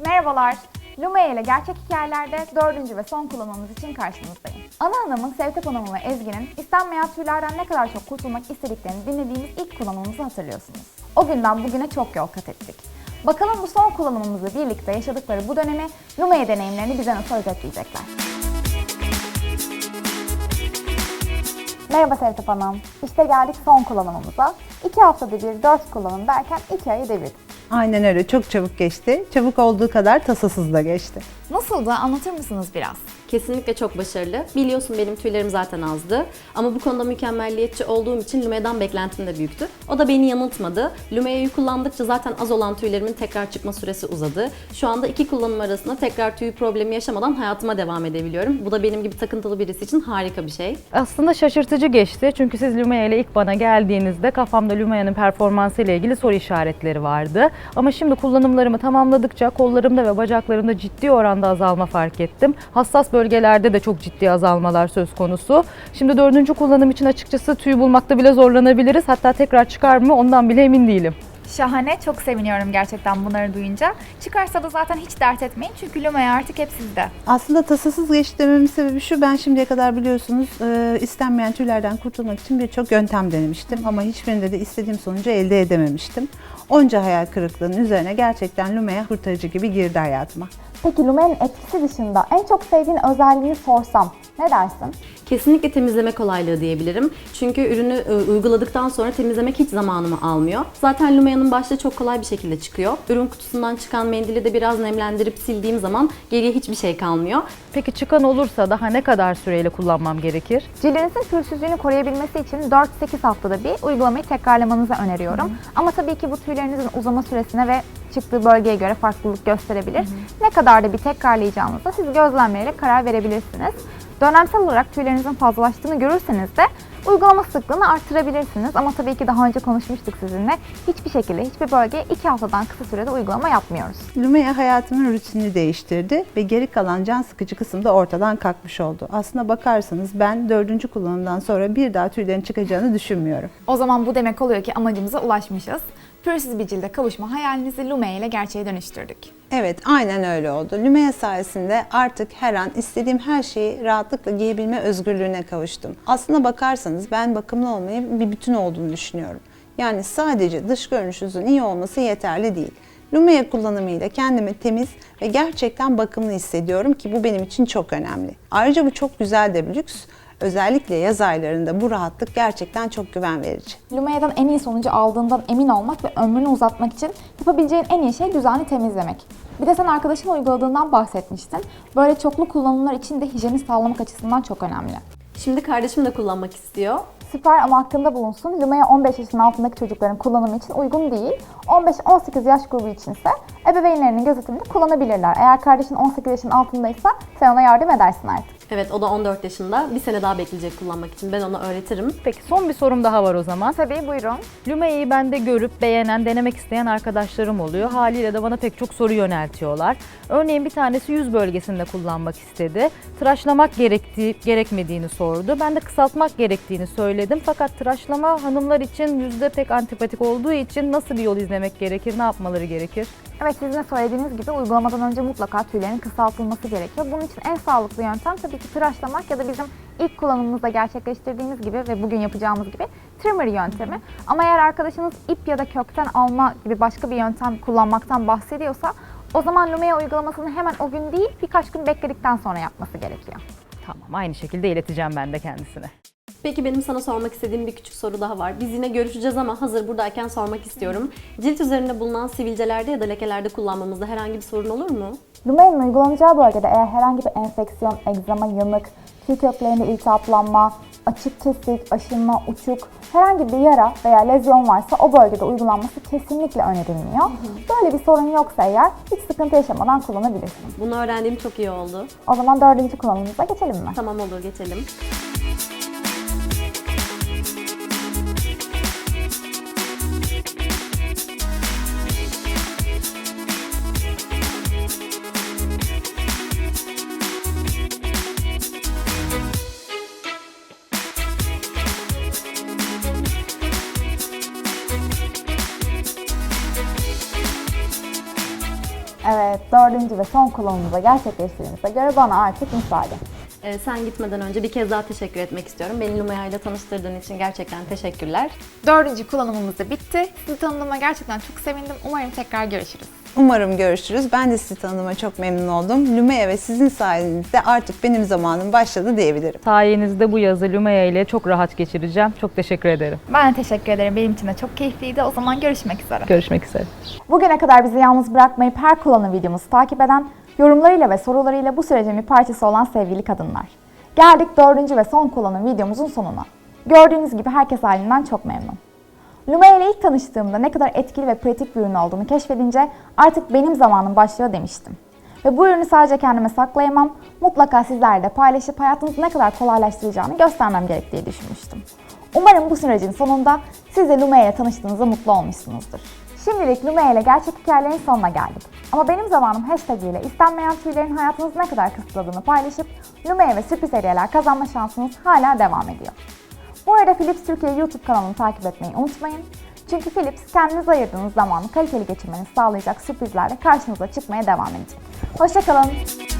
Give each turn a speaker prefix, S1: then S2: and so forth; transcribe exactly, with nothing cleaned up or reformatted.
S1: Merhabalar, Lumea ile Gerçek Hikayelerde dördüncü ve son kullanmamız için karşınızdayım. Ana Hanım'ın, Sevtep Hanım'ın ve Ezgi'nin istenmeyen tüylerden ne kadar çok kurtulmak istediklerini dinlediğimiz ilk kullanmamızı hatırlıyorsunuz. O günden bugüne çok yol kat ettik. Bakalım bu son kullanımımızla birlikte yaşadıkları bu dönemi, Lumea deneyimlerini bize nasıl özetleyecekler. Merhaba Sevtep Hanım. İşte geldik son kullanımımıza. İki haftada bir dört kullanım derken iki ayı devirdik.
S2: Aynen öyle. Çok çabuk geçti. Çabuk olduğu kadar tasasız da geçti.
S1: Nasıldı? Anlatır mısınız biraz?
S3: Kesinlikle çok başarılı. Biliyorsun benim tüylerim zaten azdı. Ama bu konuda mükemmelliyetçi olduğum için Lumea'dan beklentim de büyüktü. O da beni yanıltmadı. Lumea'yı kullandıkça zaten az olan tüylerimin tekrar çıkma süresi uzadı. Şu anda iki kullanım arasında tekrar tüy problemi yaşamadan hayatıma devam edebiliyorum. Bu da benim gibi takıntılı birisi için harika bir şey.
S4: Aslında şaşırtıcı geçti çünkü siz Lumea ile ilk bana geldiğinizde kafamda Lumea'nın performansı ile ilgili soru işaretleri vardı. Ama şimdi kullanımlarımı tamamladıkça kollarımda ve bacaklarımda ciddi oranda azalma fark ettim. Hassas bölgelerde de çok ciddi azalmalar söz konusu. Şimdi dördüncü kullanım için açıkçası tüy bulmakta bile zorlanabiliriz. Hatta tekrar çıkar mı ondan bile emin değilim.
S1: Şahane, çok seviniyorum gerçekten bunları duyunca. Çıkarsa da zaten hiç dert etmeyin çünkü Lumea artık hep sizde.
S2: Aslında tasasız geçti dememin sebebi şu: ben şimdiye kadar biliyorsunuz e, istenmeyen tüylerden kurtulmak için birçok yöntem denemiştim. Ama hiçbirinde de istediğim sonucu elde edememiştim. Onca hayal kırıklığının üzerine gerçekten Lumea kurtarıcı gibi girdi hayatıma.
S1: Peki Lumea'nın etkisi dışında en çok sevdiğin özelliğini sorsam ne dersin?
S3: Kesinlikle temizleme kolaylığı diyebilirim. Çünkü ürünü e, uyguladıktan sonra temizlemek hiç zamanımı almıyor. Zaten Lumea'nın başta çok kolay bir şekilde çıkıyor. Ürün kutusundan çıkan mendili de biraz nemlendirip sildiğim zaman geriye hiçbir şey kalmıyor.
S4: Peki çıkan olursa daha ne kadar süreyle kullanmam gerekir?
S1: Cildinizin pürüzsüzlüğünü koruyabilmesi için dört sekiz haftada bir uygulamayı tekrarlamanızı öneriyorum. Hı. Ama tabii ki bu tüylerinizin uzama süresine ve çıktığı bölgeye göre farklılık gösterebilir. Hı hı. Ne kadar da bir tekrarlayacağınıza siz gözlemleyerek karar verebilirsiniz. Dönemsel olarak tüylerinizin fazlalaştığını görürseniz de uygulama sıklığını arttırabilirsiniz. Ama tabii ki daha önce konuşmuştuk sizinle. Hiçbir şekilde hiçbir bölgeye iki haftadan kısa sürede uygulama yapmıyoruz.
S2: Lumea hayatımın rutinini değiştirdi ve geri kalan can sıkıcı kısım da ortadan kalkmış oldu. Aslına bakarsanız ben dördüncü kullanımdan sonra bir daha tüylerin çıkacağını düşünmüyorum.
S1: O zaman bu demek oluyor ki amacımıza ulaşmışız. Pürüzsüz bir cilde kavuşma hayalinizi Lumea ile gerçeğe dönüştürdük.
S2: Evet, aynen öyle oldu. Lumea sayesinde artık her an istediğim her şeyi rahatlıkla giyebilme özgürlüğüne kavuştum. Aslına bakarsanız ben bakımlı olmayı bir bütün olduğunu düşünüyorum. Yani sadece dış görünüşünüzün iyi olması yeterli değil. Lumea kullanımıyla kendimi temiz ve gerçekten bakımlı hissediyorum ki bu benim için çok önemli. Ayrıca bu çok güzel de bir lüks. Özellikle yaz aylarında bu rahatlık gerçekten çok güven verici.
S1: Lumea'dan en iyi sonucu aldığından emin olmak ve ömrünü uzatmak için yapabileceğin en iyi şey düzenli temizlemek. Bir de sen arkadaşın uyguladığından bahsetmiştin. Böyle çoklu kullanımlar için de hijyeni sağlamak açısından çok önemli.
S3: Şimdi kardeşim de kullanmak istiyor.
S1: Süper, ama aklında bulunsun. Lumea on beş yaşın altındaki çocukların kullanımı için uygun değil. on beş on sekiz yaş grubu içinse ebeveynlerinin gözetiminde kullanabilirler. Eğer kardeşin on sekiz yaşın altındaysa sen ona yardım edersin artık.
S3: Evet, o da on dört yaşında. Bir sene daha bekleyecek kullanmak için. Ben ona öğretirim.
S4: Peki son bir sorum daha var o zaman.
S1: Tabii, buyurun.
S4: Lumea'yı bende görüp beğenen, denemek isteyen arkadaşlarım oluyor. Haliyle de bana pek çok soru yöneltiyorlar. Örneğin bir tanesi yüz bölgesinde kullanmak istedi. Tıraşlamak gerektiği, gerekmediğini sordu. Ben de kısaltmak gerektiğini söyledim. Fakat tıraşlama hanımlar için yüzde pek antipatik olduğu için nasıl bir yol izlemek gerekir, ne yapmaları gerekir?
S1: Evet, sizin de söylediğiniz gibi uygulamadan önce mutlaka tüylerin kısaltılması gerekiyor. Bunun için en sağlıklı yöntem tabii ki tıraşlamak ya da bizim ilk kullanımımızda gerçekleştirdiğimiz gibi ve bugün yapacağımız gibi trimmer yöntemi. Ama eğer arkadaşınız ip ya da kökten alma gibi başka bir yöntem kullanmaktan bahsediyorsa o zaman Lumea uygulamasını hemen o gün değil birkaç gün bekledikten sonra yapması gerekiyor.
S4: Tamam, aynı şekilde ileteceğim ben de kendisine.
S3: Peki benim sana sormak istediğim bir küçük soru daha var. Biz yine görüşeceğiz ama hazır buradayken sormak istiyorum. Cilt üzerinde bulunan sivilcelerde ya da lekelerde kullanmamızda herhangi bir sorun olur mu?
S1: Lumea'nın uygulanacağı bölgede eğer herhangi bir enfeksiyon, egzama, yanık, tüy köklerinde iltihaplanma, açık kesik, aşınma, uçuk, herhangi bir yara veya lezyon varsa o bölgede uygulanması kesinlikle önerilmiyor. Hı hı. Böyle bir sorun yoksa eğer hiç sıkıntı yaşamadan kullanabilirsin.
S3: Bunu öğrendiğim çok iyi oldu.
S1: O zaman dördüncü kullanımımıza geçelim mi?
S3: Tamam, olur, geçelim.
S1: Evet, dördüncü ve son kullanımımıza gerçekleştirdiğimize göre bana artık müsaade.
S3: Ee, sen gitmeden önce bir kez daha teşekkür etmek istiyorum. Beni Lumea ile tanıştırdığın için gerçekten teşekkürler.
S1: Dördüncü kullanımımız da bitti. Sizi tanıdığıma gerçekten çok sevindim. Umarım tekrar görüşürüz.
S2: Umarım görüşürüz. Ben de sizi tanıdığıma çok memnun oldum. Lumea ve sizin sayenizde artık benim zamanım başladı diyebilirim.
S4: Sayenizde bu yazı Lumea ile çok rahat geçireceğim. Çok teşekkür ederim.
S1: Ben de teşekkür ederim. Benim için de çok keyifliydi. O zaman görüşmek üzere.
S4: Görüşmek üzere.
S1: Bugüne kadar bizi yalnız bırakmayıp her kullanım videomuzu takip eden, yorumlarıyla ve sorularıyla bu sürecin bir parçası olan sevgili kadınlar. Geldik dördüncü ve son kullanım videomuzun sonuna. Gördüğünüz gibi herkes halinden çok memnun. Lumea ile ilk tanıştığımda ne kadar etkili ve pratik bir ürün olduğunu keşfedince artık benim zamanım başlıyor demiştim. Ve bu ürünü sadece kendime saklayamam, mutlaka sizlerle de paylaşıp hayatınızı ne kadar kolaylaştıracağını göstermem gerek diye düşünmüştüm. Umarım bu sürecin sonunda siz de Lumea ile tanıştığınızda mutlu olmuşsunuzdur. Şimdilik Lumea ile gerçek hikayelerin sonuna geldik. Ama benim zamanım hashtag ile istenmeyen tüylerin hayatınızı ne kadar kısıtladığını paylaşıp Lumea ve sürpriz hediyeler kazanma şansınız hala devam ediyor. Bu arada Philips Türkiye YouTube kanalını takip etmeyi unutmayın. Çünkü Philips kendinize ayırdığınız zamanı kaliteli geçirmenizi sağlayacak sürprizlerle karşınıza çıkmaya devam edecek. Hoşça kalın.